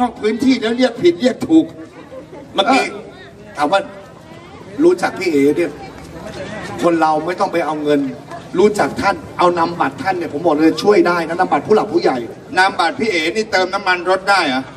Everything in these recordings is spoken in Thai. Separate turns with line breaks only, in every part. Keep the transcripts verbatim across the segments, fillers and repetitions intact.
นอกพื้นที่แล้วเรียกผิดเรียกถูกเมื่อกี้ถามว่ารู้จักพี่เอ๋เนี่ยคนเราไม่ต้องไปเอาเงินรู้จักท่านเอานำบัตรท่านเนี่ยผมบอกเลยช่วยได้นะนำบัตรผู้หลักผู้ใหญ่นำบัตรพี่เอ๋นี่เติมน้ำมันรถได้เหรอ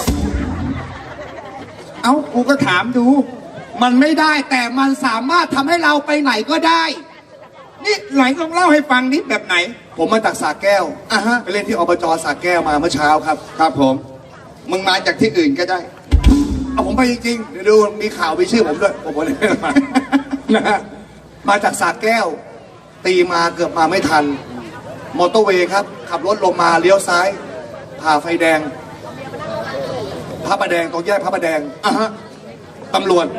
เอ้ากูก็ถามดูมันไม่ได้แต่มันสามารถทำให้เราไปไหนก็ได้นี่ไหนลองเล่าให้ฟังนิดแบบไหนผมมาจากสระแก้วอ่ะฮะไปเล่นที่อบจสระแก้วมาเมื่อเช้าครับครับผมมึงมาจากที่อื่นก็ได้เอาผมไปจริงๆเดี๋ยวดูมีข่าวมีชื่อผมด้วยผมบอกเลยมานะฮะมาจากสระแก้วตีมาเกือบมาไม่ทันมอเตอร์เวย์ครับขับรถลงมาเลี้ยวซ้ายผ่าไฟแดงพระประแดงตรงแยกพระประแดงอ่ะฮะตำรวจ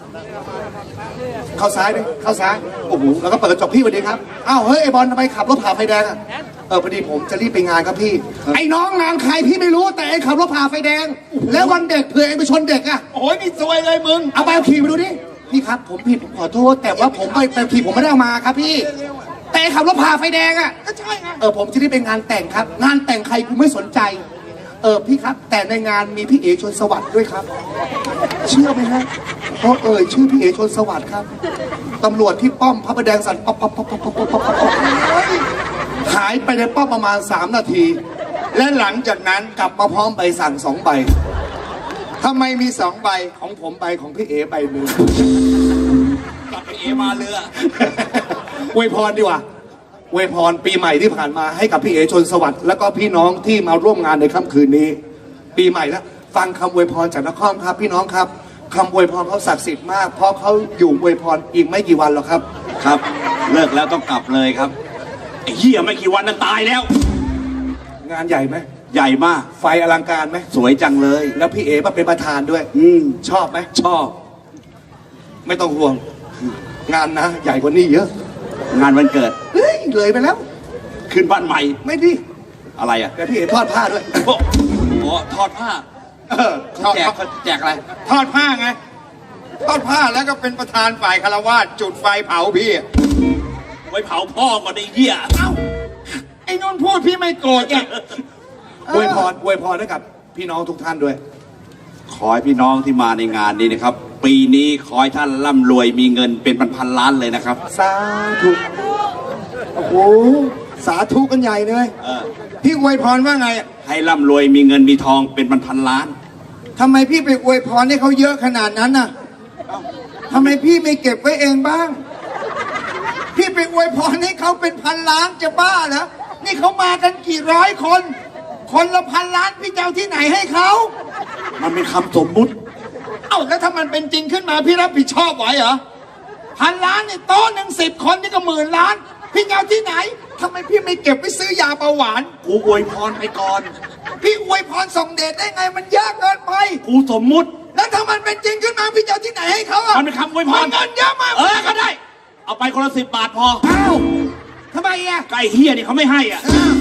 เข้าซ้ายดิเข้าซ้ายโอ้โหแล้วก็เปิดกระจกพี่สวัสดีครับอ้าวเฮ้ยไอบอลทำไมขับรถผ่าไฟแดงอ่ะเออพอดีผมจะรีบไปงานครับพี่ไอ้น้องงานใครพี่ไม่รู้แต่ไอ้ขับรถผ่าไฟแดงแล้ววันเด็กเผื่อไอ้ไปชนเด็กอ่ะโอ้ยนี่ซวยเลยมึงเอาไปเอาขี่ไปดูดิพี่ครับผมผิดผมขอโทษแต่ว่าผมไปไปขี่ผมไม่ได้เอามาครับพี่แต่ขับรถผ่าไฟแดงอ่ะก็ใช่ไงเออผมจะได้ไปงานแต่งครับงานแต่งใครกูไม่สนใจเออพี่ครับแต่ในงานมีพี่เอชนสวัสดิ์ด้วยครับเชื่อไหมฮะเพราะเอ่ยชื่อพี่เอชนสวัสดิ์ครับตำรวจที่ป้อมพระประแดงสั่นป๊อปป๊อปป๊อปป๊อปป๊อปป๊อปหายไปในป้อมประมาณสามนาทีและหลังจากนั้นกลับมาพร้อมใบสั่งสองใบทำไมมีสองใบของผมใบของพี่เอใบหนึ่ง
กับพี่เอมาเรือ
อวยพรดีกว่าอวยพรปีใหม่ที่ผ่านมาให้กับพี่เอชนสวัสดิ์แล้วก็พี่น้องที่มาร่วมงานในค่ำคืนนี้ปีใหม่แล้วฟังคำอวยพรจากนครครับพี่น้องครับคำอวยพรเขาศักดิ์สิทธิ์มากเพราะเขาอยู่อวยพรอีกไม่กี่วันหรอกครับ
ครับเลิกแล้วต้องกลับเลยครับไอ้เหี้ยไม่กี่วันนั้นตายแล้ว
งานใหญ่ไหม
ใหญ่มาก
ไฟอลังการไหม
สวยจังเลย
แล้วพี่เอมาเป็นประธานด้วย
อืม
ชอบไหม
ชอบ
ไม่ต้องห่วงงานนะใหญ่กว่านี้เยอะ
งานวันเกิด
เฮ้ยเลยไปแล้ว
ขึ้นบ้านใหม่
ไม่ดิ
อะไรอ่ะ
แต่พี่เอ๋ทอดผ้าด้วย
โอ้ทอดผ้า
เออ
แจกแจกอะไร
ทอดผ้าไงทอดผ้าแล้วก็เป็นประธานฝ่ายคารวาสจุดไฟเผาพี่
ไว้เผาพ่อก่อนไอ้เหี้ย
เอ้าไอ้นนท์พูดพี่ไม่โกรธไงอวยพรอวยพรให้กับพี่น้องทุกท่านด้วย
ขอให้พี่น้องที่มาในงานนี้นะครับปีนี้ขอให้ท่านร่ำรวยมีเงินเป็นพันๆล้านเลยนะครับ
สาธุโอ้โหสาธุกันใหญ่เลยพี่อวยพรว่าไง
ให้ร่ำรวยมีเงินมีทองเป็นพันๆล้าน
ทำไมพี่ไปอวยพรให้เขาเยอะขนาดนั้นน่ะทำไมพี่ไม่เก็บไว้เองบ้างพี่ไปอวยพรให้เขาเป็นพันล้านจะบ้าเหรอนี่เขามากันกี่ร้อยคนคนละพันล้านพี่จะเอาที่ไหนให้เขา
มันเป็นคำสมมุติ
เอ้าแล้วถ้ามันเป็นจริงขึ้นมาพี่รับผิดชอบไหวเหรอพันล้านเนี่ยโต๊ะหนึ่งสิบคนนี่ก็หมื่นล้านพี่เอาที่ไหนทำไมพี่ไม่เก็บไปซื้อยาเบาหวาน
กูอวยพรไปก่อน
พี่อวยพรส่งเดชได้ไงมันยากเกินไป
กูสมมุติ
แล้วถ้ามันเป็นจริงขึ้นมาพี่จะเอาที่ไหนให้เขาอ่ะ
มันเป็นคำอวยพร
เงินเยอะมาก
เออก็ได้เอาไปคนละสิบบาทพอ
เอ้าทำไมอ่ะ
ไก่เฮียนี่เขาไม่ให้อ่ะ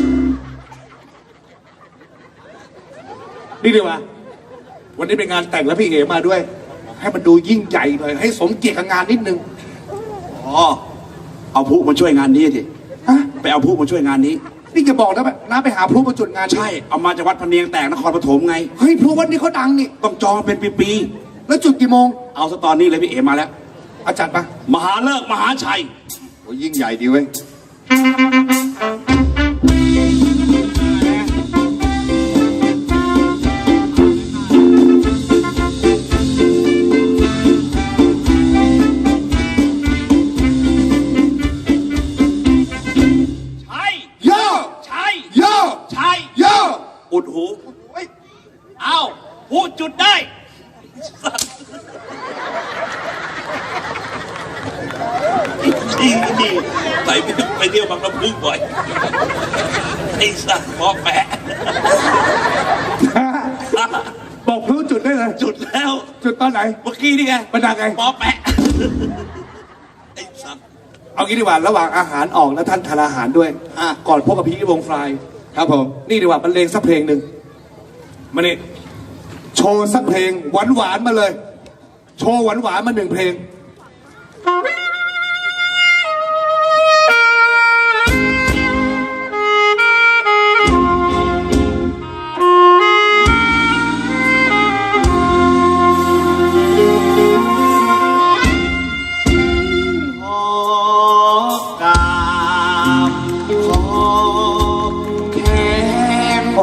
นี่ดีวะวันนี้เป็นงานแต่งแล้วพี่เอมาด้วยให้มันดูยิ่งใหญ่หน่อยให้สมเกียรติกับงานนิดนึง
อ๋อเอาผู้มาช่วยงานนี้สิไปเอาผู้มาช่วยงานนี้
นี่จะบอกนะน้าไปหาพลุมาจุดงาน
ใช่เอามาจากวัดพะเนียงแตกนครปฐมไง
เฮ้ยพลุวัดนี้เขาดังนี่
ต้องจองเป็นปี
ๆแล้วจุดกี่โมง
เอาซะตอนนี้เลยพี่เอมาแล้ว
อาจารย์ปะ
มหาเลิกมหาชัย
โอ้ยิ่งใหญ่ดีเว้ย
อุดหูเอาหูจุดได้ดีดีไปไปเที่ยวบางลำพูบ่อยไอ้สัตว์บอกแปะ
บอกพลุจุดได้เลย
จุดแล้ว
จุดตอนไหน
เมื่อกี้นี่ไง
มันดังไง
บอกแปะไอ้สัตว์
เอางี้ดีกว่าระหว่างอาหารออกแล้วท่านทานอาหารด้วยก่อนพบกับพี่วงฟลายครับผมนี่ดีกว่าบรรเลงสักเพลงหนึ่งมาเนี่ยโชว์สักเพลงหวานหวานมาเลยโชว์หวานหวานมาหนึ่งเพลง
ใ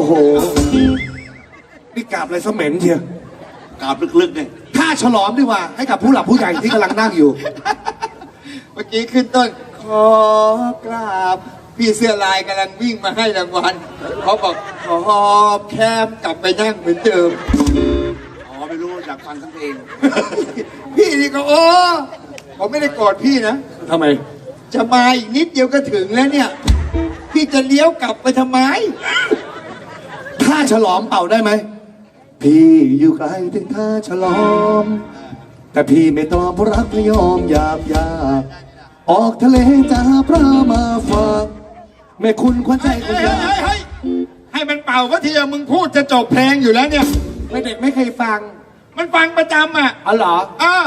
โหนี่กราบอะไรเสม็นเชียว
กราบลึกๆเลย
ถ้าฉลอมดีกว่า ให้กับผู้หลักผู้ใหญ่ที่กำลังนั่งอยู่
เมื่อกี้ขึ้นต้น ขอกราบ พี่เสื้อลายกำลังวิ่งมาให้รางวัลเขาบอกขอบแคมกลับไปนั่งเหมือนเดิม
อ๋อไม่รู้อยากฟังทั้งเพลง
พี่นี่ก็โอ้ผมไม่ได้โกรธพี่นะ
ทำไม
จะมาอีกนิดเดียวก็ถึงแล้วเนี่ย พี่จะเลี้ยวกลับไปทำไม
ถ้าฉลอมเป่าได้ไหม พี่อยู่ไกลถึงท่าฉลอม แต่พี่ไม่ตอบเพราะรักพยอมหยาบยากออกทะเลจะหาปลามาฝากแม่คุณควันใจคนยาก
เฮ้ยให้มันเป่าก็ทีมึงพูดจะจบเพลงอยู่แล้วเนี่ย
ไม่เด็กไม่เคยฟัง
มันฟังประจำอ่ะ
อ๋อเหรอ
เออ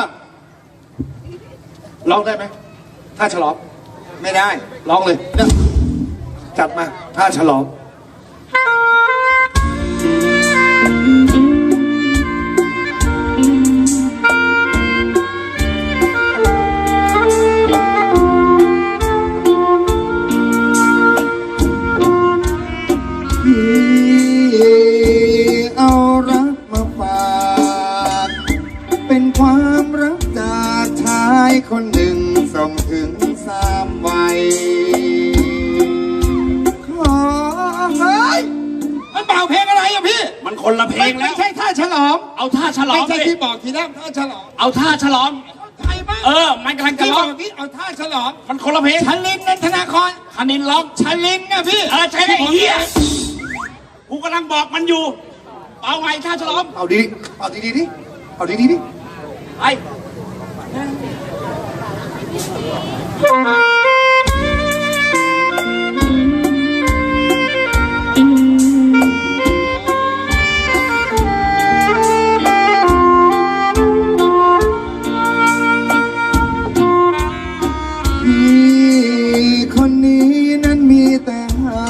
ร้องได้ไหมท่าฉลอม
ไม่ได้
ร้องเลย จัดมาท่าฉลอม
เอารักมาฝากเป็นความรักจากชายคนหนึ่งส่งถึงสามวัยขอเฮ้ยมันเป่าเพลงอะไรอะพี่
มันคนละเพลงแล้ว
ไม่ใช่ท่าฉลอง
เอาท่าฉลอ
ไม่
ม
ใช่
ดิ
ที่บอกทีแรกท่าฉลอง
เอาท่าฉลอม
ใครบ้าง
เออ มันกำลังจะ
ที่บ
ร้อ
อง กที่เอาท่าฉลอง
มันคนละเพลง
ชลินนันทนาคร
คณินร้อง
ชลินนะพี่
เออใช่ไอ้เหี้ยกูกำลังบอกมันอยู่ เอาไงท่าฉลอม
เอาดีๆเอาดีๆดิเอาดีๆดิ
ไป
พี่คนนี้นั้นมีแต่ให้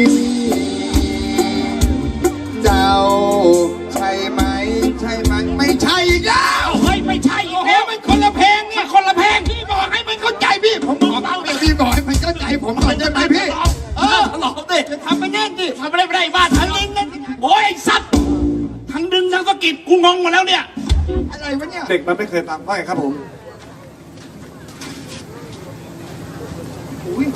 เจ้าใช่ไหมใช่ไหมไม่ใช่อีกแล้ว
เฮ้ยไม่ใช่อี
โอ้
ก
โห
แล้ว
มันคนละเพลงเนี่ย
มันคนละเพลง
พี่บอกให้มันเข้าใจพี่ผมบอกเอาเดี๋ยวพี่บอกให้มันเข้าใจผมก่อนได้ไหมพี่เออ
ฉลอมดิ
จะทำไปแน่นดิ
ทำไม่ได้ไม่ได้บ้านทันลิงนั่นโอ้ยไอ้สัตว์ทั้งดึงทั้งสะกิดกูงงหมดแล้วเนี่ย
อะไรวะเนี่ย
เด็กมันไม่เคยฟังว่าไงครับผมอุ๊ย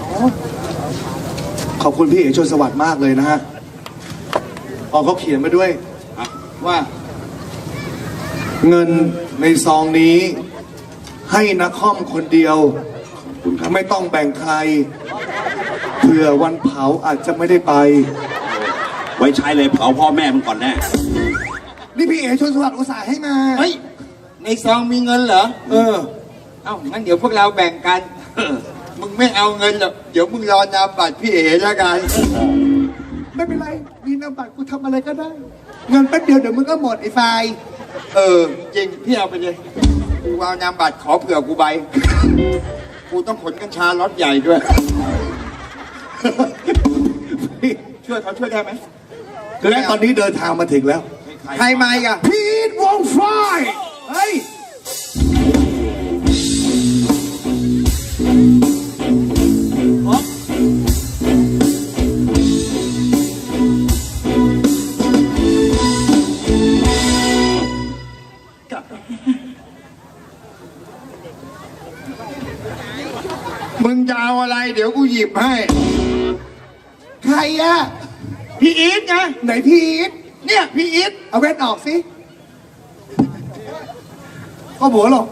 ขอบคุณพี่เอ๋ชนสวัสดิ์มากเลยนะฮะพอเขาเขียนมาด้วย
ว่า
เงินในซองนี้ ให้นักคอมคนเดียวไม่ต้องแบ่งใครเผื่อวันเผาอาจจะไม่ได้ไป
ไว้ใช้เลยเผาพ่อแม่มึงก่อนแน่
นี่พี่เอ๋ชนสวัสดิ์อุตส่าห์ให้มา
เฮ้ยในซองมีเงินเหรอ
เออ
เอ้างั้นเดี๋ยวพวกเราแบ่งกัน มึงไม่เอาเงินหรอกเดี๋ยวมึงรอนามบัตรพี่เอ๋แล้วกัน
ไม่เป็นไร มีนามบัตรกูทำอะไรก็ได้ เงินแป๊บเดียวเดี๋ยวมึงก็หมดไอ้ไฟล์
เออจริงพี่เอาไปเลยกูเอานามบัตรขอเผื่อกูใบ กูต้องขนกัญชาล็อตใหญ่ด้วย ช่วยเขาช่วยได้ไหม
และตอนนี้เดินทางมาถึงแล้ว
ใครมาอีกอ่ะ
พีทวงไฟล์เฮ้ย
มึงจะเอาอะไร เดี๋ยวกูหยิบให้
ใครอะ
พี่อีทไง
ไหนพีท
เนี่ยพี่อีท
เอาแว่นออกสิก็หัวหรอก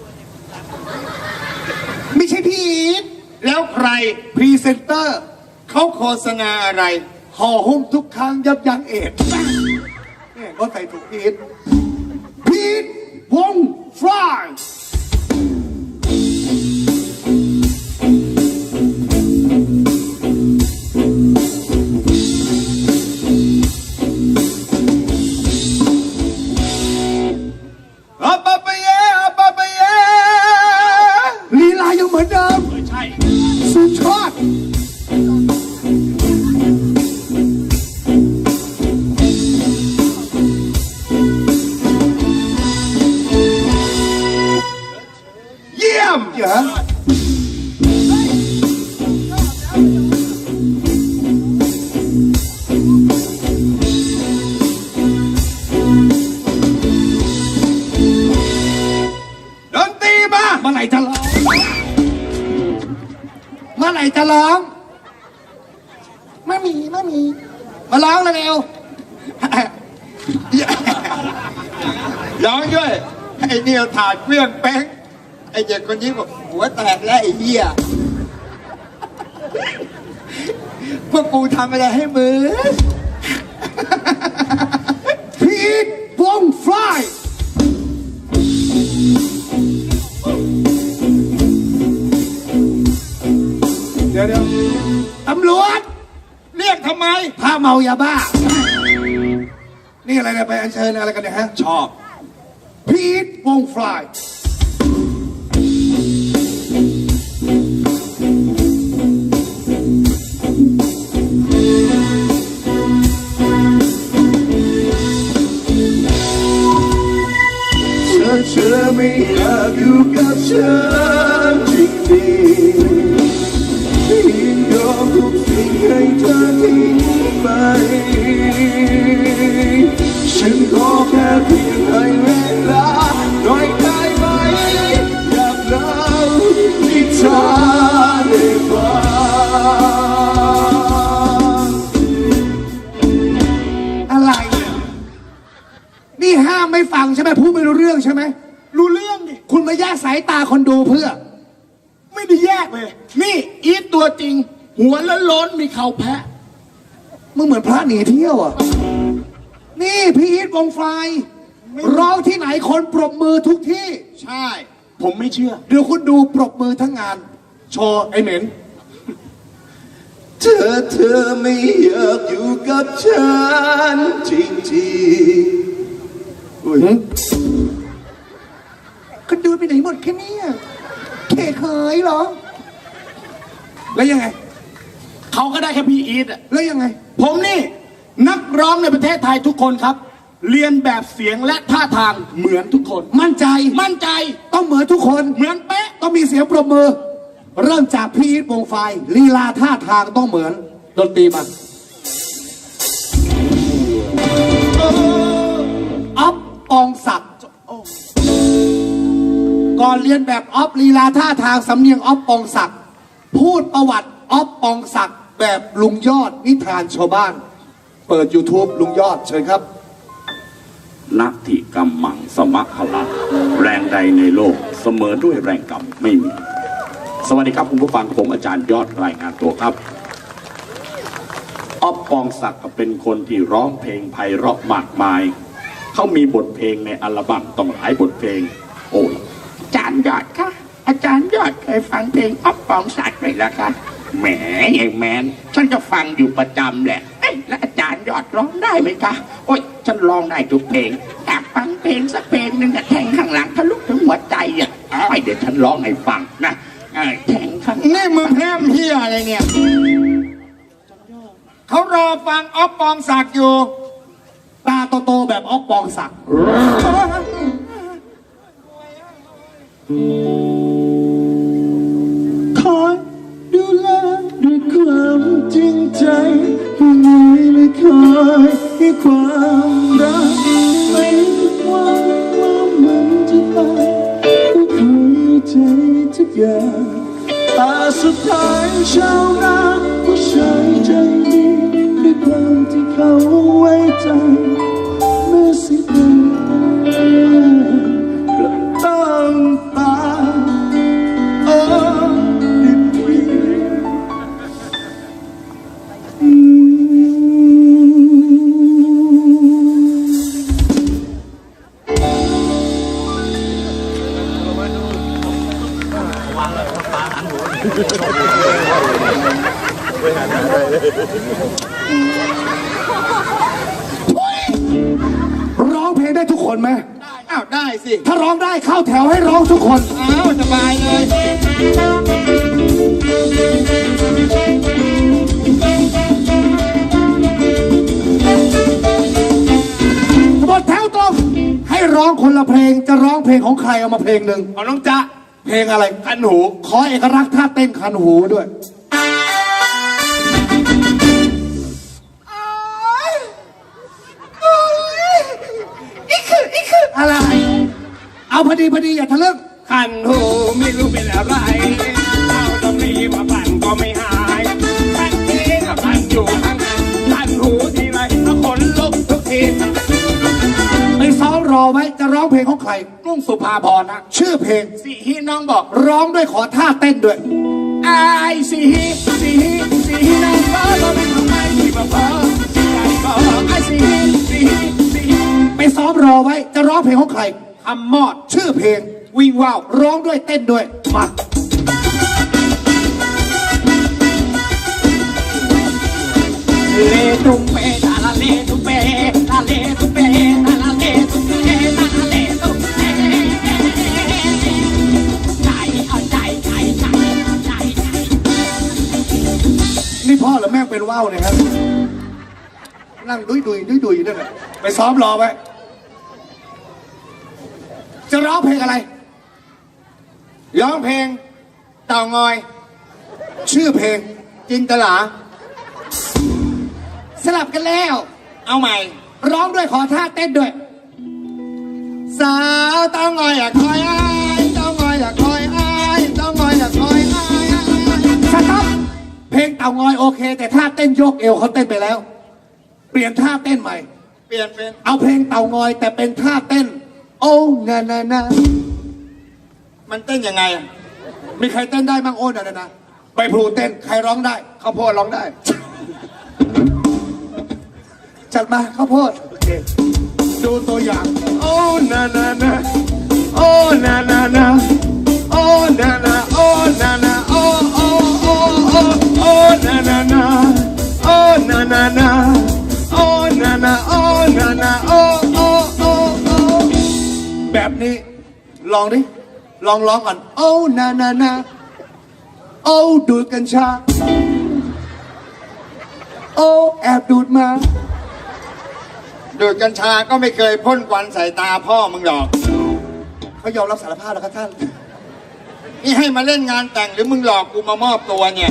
ไม่ใช่พีท
แล้วใคร
พรีเซนเตอร์
เขาโฆษณาอะไร
ห่อหุ้มทุกครั้งยับยั้งเอดส์เนี่ยก็ใส่ถูกพีทพีทวงไฟล์
อัปปะปะเยอัปปะปะเย
ลีลายังเหมือนเดิม
ไม่ใช่
สุดยอด
เยี่ยม
เหรอร่จะร้องไม่มีไม่มี มาร้องเลยเร็ว
ร้องด้วยไอ้เนี่ยวถาดเครื่องแป้งไอ้เด็กคนนี้บอกหัวแตกแล้วไอ้เหี้ยพวกกูทำอะไรให้มึง
พีทวงฟลายเดี๋ยวเดี๋ยวตำรวจ
เรียกทำไม
พาเมายาบ้า นี่อะไรเนี่ยไปอัญเชิญอะไรกันเนี่ยฮะ
ชอบ
พีทวงฟลายเธอไม่อยากอยู่กับฉันจริงๆยินยอมทุกสิ่งให้เธอทิ้งไปฉันขอแค่เพียงให้เวลาหน่อยได้ไหมอยากเล่านิทานให้ฟังอะไรเนี่ยนี่ห้ามไม่ฟังใช่ไหมพูดไม่รู้เรื่องใช่ไหม
รู้เรื่องดิ
คุณมาแยกสายตาคนดูเพื่อ
ไม่ได้แยกเลย นี่อีทตัวจริง หัวล้นล้นๆมีเข่าแพะ
มึงเหมือนพระหนีเที่ยวอ่ะ นี่พี่อีทวงไฟร้องที่ไหนคนปรบมือทุกที่
ใช่ ผมไม่เชื่อ
เดี๋ยวคุณดูปรบมือทั้งงาน โชว์ไอ้เหม็น เธอเธอไม่อยากอยู่กับฉันจริงๆอุ้ยก็ดูไปไหนหมดแค่เนี้ยเคเคยเหรอ แล้วยังไง
เขาก็ได้แค่พี่อีทอะ
แล้วยังไง
ผมนี่ นักร้องในประเทศไทยทุกคนครับ เรียนแบบเสียงและท่าทางเหมือนทุกคน
มั่นใจ
มั่นใจ
ต้องเหมือนทุกคน
เหมือนเป๊ะ
ต้องมีเสียงปรบมือ เริ่มจากพี่อีทวงไฟลีลาท่าทางต้องเหมือนดนตรีมาอ๊อฟปองศักดิ์ก่อนเรียนแบบอ๊อฟลีลาท่าทางสำเนียงอ๊อฟปองศักดิ์พูดประวัติอ๊อฟปองศักดิ์แบบลุงยอดนิทานชาวบ้าน เปิด YouTube ลุงยอดเชิญครับ
นัตถิกรรมมังสมะพลังแรงใดในโลกเสมอด้วยแรงกรรมไม่มี สวัสดีครับคุณผู้ฟังผมอาจารย์ยอดรายงานตัวครับอ๊อฟปองศักดิ์เป็นคนที่ร้องเพลงไพเราะมากมายเขามีบทเพลงในอัลบั้มต้องหลายบทเพลงโอ้ย
อาจารย์ยอดคะอาจารย์ยอดเคยฟังเพลงอ๊อฟปองศักดิ์ไหมล่ะคะแหมไอ้แมนฉันก็ฟังอยู่ประจำแหละเอ้ยแล้วอาจารย์ยอดร้องได้ไหมคะโอ๊ยฉันร้องได้ทุกเพลงอยากฟังเพลงสักเพลงหนึ่งอะแทงข้างหลังทะลุถึงหัวใจอ่ะอ้อยเดี๋ยวฉันร้องให้ฟังนะเอ้ยแทงข้างหลัง
นี่มึงแพร่มเฮียอะไรเนี่ย เขารอฟังอ๊อฟปองศักดิ์อยู่
ตาโตๆแบบอ๊อฟปองศักดิ์
คอยดูแลด้วยความจริงใจผู้นี้ไม่คอยให้ความรักไม่หวังว่ามันจะตายก็คอยใจทุกอย่างแต่สุดท้ายชาวนาผู้ชายใจดีด้วยความที่เขาไว้ใจเมื่อสิ้นก็ต้องตายโอ้ดิบวีอืม
ร้องเพลงได้ทุกคนไหม
อ้าวได้สิ
ถ้าร้องได้เข้าแถวให้ร้องทุกคน
อ้าวสบายเลย
หมดแถวตรงให้ร้องคนละเพลงจะร้องเพลงของใครเอามาเพลงหนึ่ง
เอาน้องจ๊ะ
เพลงอะไร
คันหู
ขอเอกลักษณ์ท่าเต้นคันหูด้วยอีกคืออีกคืออะไร เอาพอดีพอดีอย่าทะลึ่ง
คันหูไม่รู้เป็นอะไรเอาตรงนี้มาปั่นก็ไม่
รอไว้จะร้องเพลงของใคร
กรุงสุภาพรนะ
ชื่อเพลง
สิฮีน้องบอก
ร้องด้วยขอท่าเต้นด้วย
ไอ้สิฮีสิฮีสิฮีน้องบอกเราเป็นของไม่ที่มาพอสิใจบอกไอ้สิฮีสิฮีสิฮี
ไปซ้อมรอไว้จะร้องเพลงของใคร
ทำมอด
ชื่อเพลง
วิ่งว่าว
ร้องด้วยเต้นด้วยมา
เลตุมเปตาลาเลตุมเปตาเลตุมเปตาลาเลตุมเปตาลาเลตุมเปใจเอาใจใจใจใจใจ
นี่พ่อหรือแม่งเป็นว่าวเนี่ยครับนั่งดุยดุยดุยดุยอยู่นั่นแหละไปซ้อมรอไว้จะร้องเพลงอะไร
ร้องเพลงเต่างอย
ชื่อเพลง
จินตลา
สลับกันแล้ว
เอาใหม่
ร้องด้วยขอท่าเต้นด้วย
สาวเต่างอยอยากคอยอ้ายเต่างอยอยากคอยอ้ายเต่างอยอยากคอยอ้าย
สต๊อปเพลงเต่างอยโอเค แต่ท่าเต้นโยกเอวเขาเต้นไปแล้ว เปลี่ยนท่าเต้นใหม่
เปลี่ยนเป็น
เอาเพลงเต่างอยแต่เป็นท่าเต้น โอ้นานานา
มันเต้นยังไงอะ
มีใครเต้นได้บ้างโอ้นานานาใบพลูเต้นใครร้องได้ข้าวโพดร้องได้ จัดมาข้าวโพดโอเคดูตัวอย่าง โอ้นานานาโอ้นานานาโอ้นานาโอ้นานาโอ้โอ้โอ้โอ้โอ้นานานาโอ้นานานาโอ้นานาโอ้นานาโอ้โอ้โอ้โอ้แบบนี้ลองดิลองร้องก่อนโอ้นานานาโอ้ดูดกัญชาโอ้แอบดูดมา
ดูดกัญชาก็ไม่เคยพ่นควันใส่ตาพ่อมึงหรอก
เขายอมรับสารภาพแล้วครับท่าน
นี่ให้มาเล่นงานแต่งหรือมึงหลอกกูมามอบตัวเนี่ย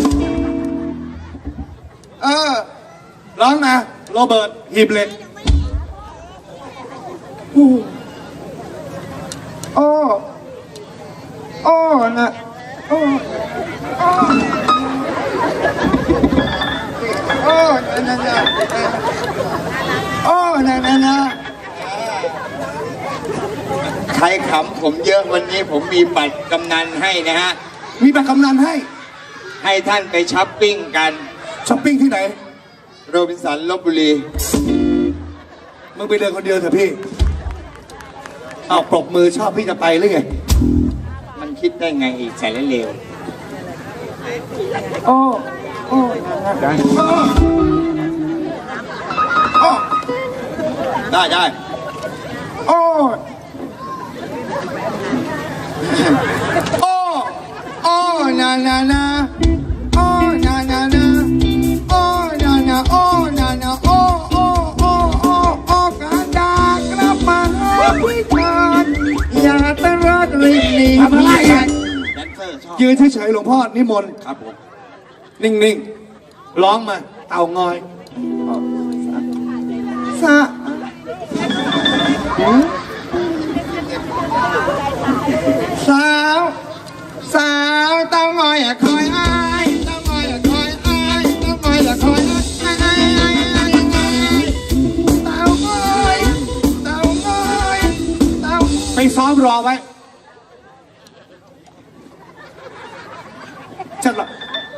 เออ ร้องมาโรเบิร์ตหีบเหล็ก
โอ้ โอ้นะโอ้โอ้โอ้นะนะนะโอ้นะนะนะใครขำผมเยอะวันนี้ผมมีบัตรกำนันให้นะฮะ
มีบัตรกำนันให้
ให้ท่านไปช้อปปิ้งกัน
ช้อปปิ้งที่ไหน
โรบินสันลพบุรี
มึงไปเดินคนเดียวเถอะพี่เอาปรบมือชอบพี่จะไปหรือไง
มันคิดได้ไงอีกแสนเลว
โอ้ โอ้
ได้ได้ได้โอ้ โอ้ โอ้นานานาโอ้นานานาโอ้นานาโอ้นานาโอ้โอ้โอ้โอ้โอ้กระดากระปังพิการอย่าตะรอดริบหนี
ทำอะไรอ่ะ
แดนเซอร์ชอบ
ยืนเฉยๆหลวงพ่อนิมนต์
ครับผม
นิ่งๆ ร้องมา เต่างอย
สะสาวสาวเต้างอยอย่าคอยอ้ายเต้างอยอย่าคอยอ้ายเต้างอยอย่าคอยอ้ายอ้ายอ้ายอ้ายอ้ายเต้างอยเต้างอยเต้า
ไปซ้อมรอไว้จัดละ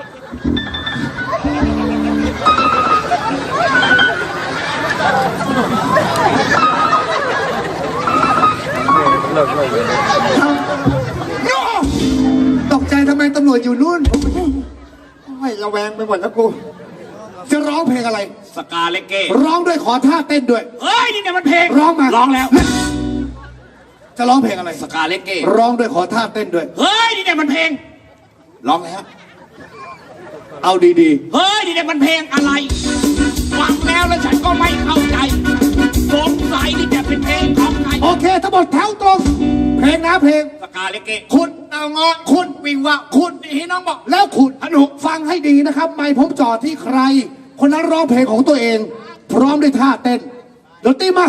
ตกใจทำไมตำรวจอยู่นู่น
ไม่ระแวงไปหมดแล้วกู
จะร้องเพลงอะไร
สกาเลเก้
ร้องด้วยขอท่าเต้นด้วย
เฮ้ยนี่เนี่ยมันเพลง
ร้องมา
ร้องแล้ว
จะร้องเพลงอะไร
สกาเลเก้
ร้องด้วยขอท่าเต้นด้วย
เฮ้ยนี่เนี่ยมันเพลง
ร้องแล้ว เอาดี
เฮ้ยนี่เนี่ยมันเพลงอะไรฟังแล้วแล้วฉันก็ไม่เข้าใจสงสัยนี่จะเป็นเพลงของใคร
ๆ โอเคทั้งหมดแถวตรง เพลงนะเพลง
สกาเลเก้
คุณเตางอคุณวิงวะคุณ
นี่น้องบอก
แล้วคุณอนุฟังให้ดีนะครับ ไม่ผมจอดที่ใคร คนนั้นร้องเพลงของตัวเอง พร้อมด้วยท่าเต้นดนตรีมา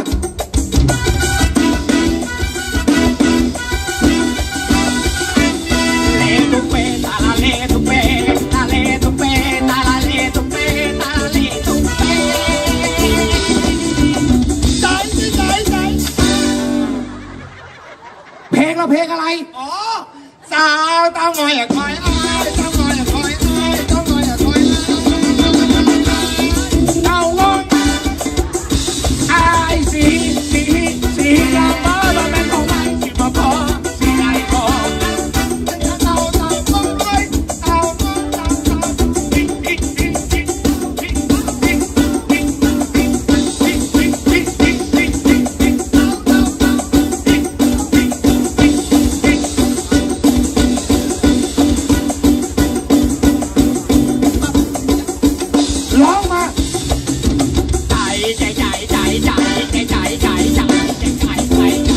เลตุเปตาลาเลตุเปตาเลตุเปตาลาเลตุเปตาลาเลตุเปใจใจใจ
ละเพลงอะไร
อ๋อสาวเต้างอยคอยอ้ายเต้างอยคอยอ้ายเต้างอยคอยเต้างอยอ้ายสีสีสียามมาแล้วแม่ของไอ้สิมาพอสีไอ้พอเต้าเต้าเต้างอยเต้างอยเต้างอยติ๊กติ๊กติ๊กติ๊กติ๊กติ๊กติ๊กติ๊กติ๊กติ๊กติ๊กติ๊กติ๊กติ๊กติ๊กติ๊กเต้าเต้าเต้าติ๊กติ๊กติ๊กติ๊ก ร้องมาใจใจใจใจใจใจใจใจใจใจใจใจใจ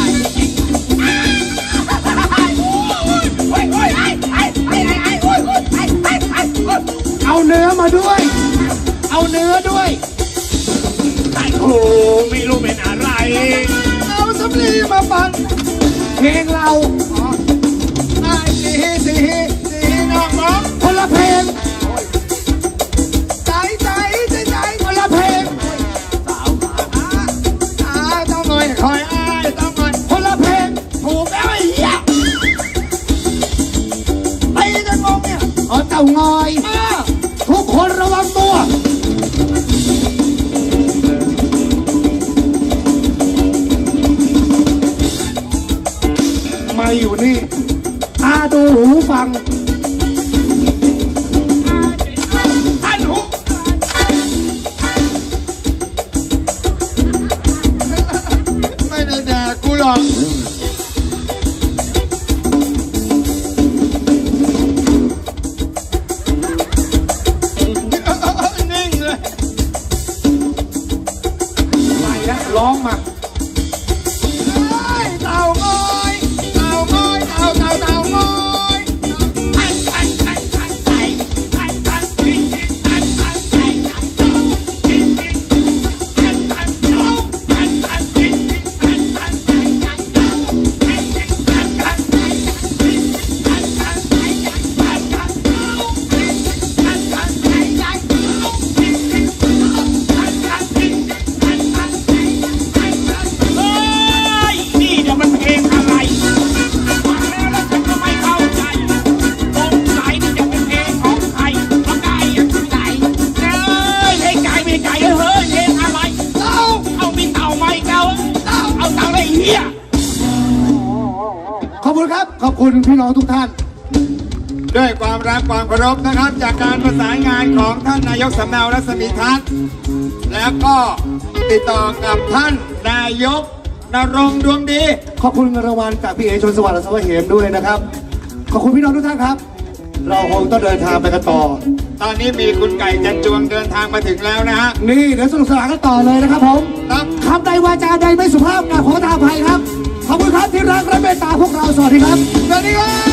เอาเนื้อมาด้วย เอาเนื้อด้วยโอ้ไม่รู้เป็นอะไร เอาสำลีมาฟังเพลงเราไอ้สีสีสีน้องน้องคนละเพลงใจใจใจใจคนละเพลงสาวอ้าต้องหน่อยคอยอ้ายต้องหน่อยคนละเพลงถูกแล้วไอ้เหี้ยไปกันงงเนี่ยอ๋อเต่างอยทุกคนระวังตัวมาอยู่นี่ตาดูหูฟังท่านหูไม่ได้ด่ากูหรอกนิ่งเลยไปแล้วร้องมาเต่างอยเต่างอยเต่าเต่าเต่างอยพันพันพันพันไปพันพันทิ้งทิ้งพันพันไปทิ้งทิ้งพันพันเต่าพันพันทิ้งทิ้งพันพันไปทิ้งทิ้งพันพันไปทิ้งพันพันไปพันพันเต่าทิ้งพันพันไปทิ้งทิ้งพันพันทิ้งพันพันไปพันพันเฮ้ยนี่เดี๋ยวมันเพลงอะไรฟังแล้วแล้วฉันก็ไม่เข้าใจสงสัยนี่จะเป็นเพลงของใครแล้วไก่ยังไก่เอ้ยเพลงไก่ไม่ไก่เฮ้ยเพลงอะไรเต่าเอามีเต่าไหมเต่าเต่าเอาเต่าอะไรเหี้ย
ขอบคุณครับ ขอบคุณพี่น้องทุกท่าน
ด้วยความรักความเคารพนะครับ จากการประสานงานของท่านนายกสำเนารัศมีทัศน์แล้วก็ติดต่อกับท่านนายกนรงค์ดวงดี
ขอบคุณเงินรางวัลจากพี่เอชนสวัสดิ์และสวัสดิ์เหมด้วยนะครับ ขอบคุณพี่น้องทุกท่านครับ เราคงต้องเดินทางไปกันต่อ
ตอนนี้มีคุณไก่จันจวงเดินทางมาถึงแล้วนะฮะ
นี่เดี๋ยวสนุกสนานกันต่อเลยนะครับผม
ครับ
คำใดวาจาใดไม่สุภาพกราบขอทานอภัยครับ ขอบคุณครับที่รักและเมตตาพวกเรา สวัสดีครับ
สวัสดีครับ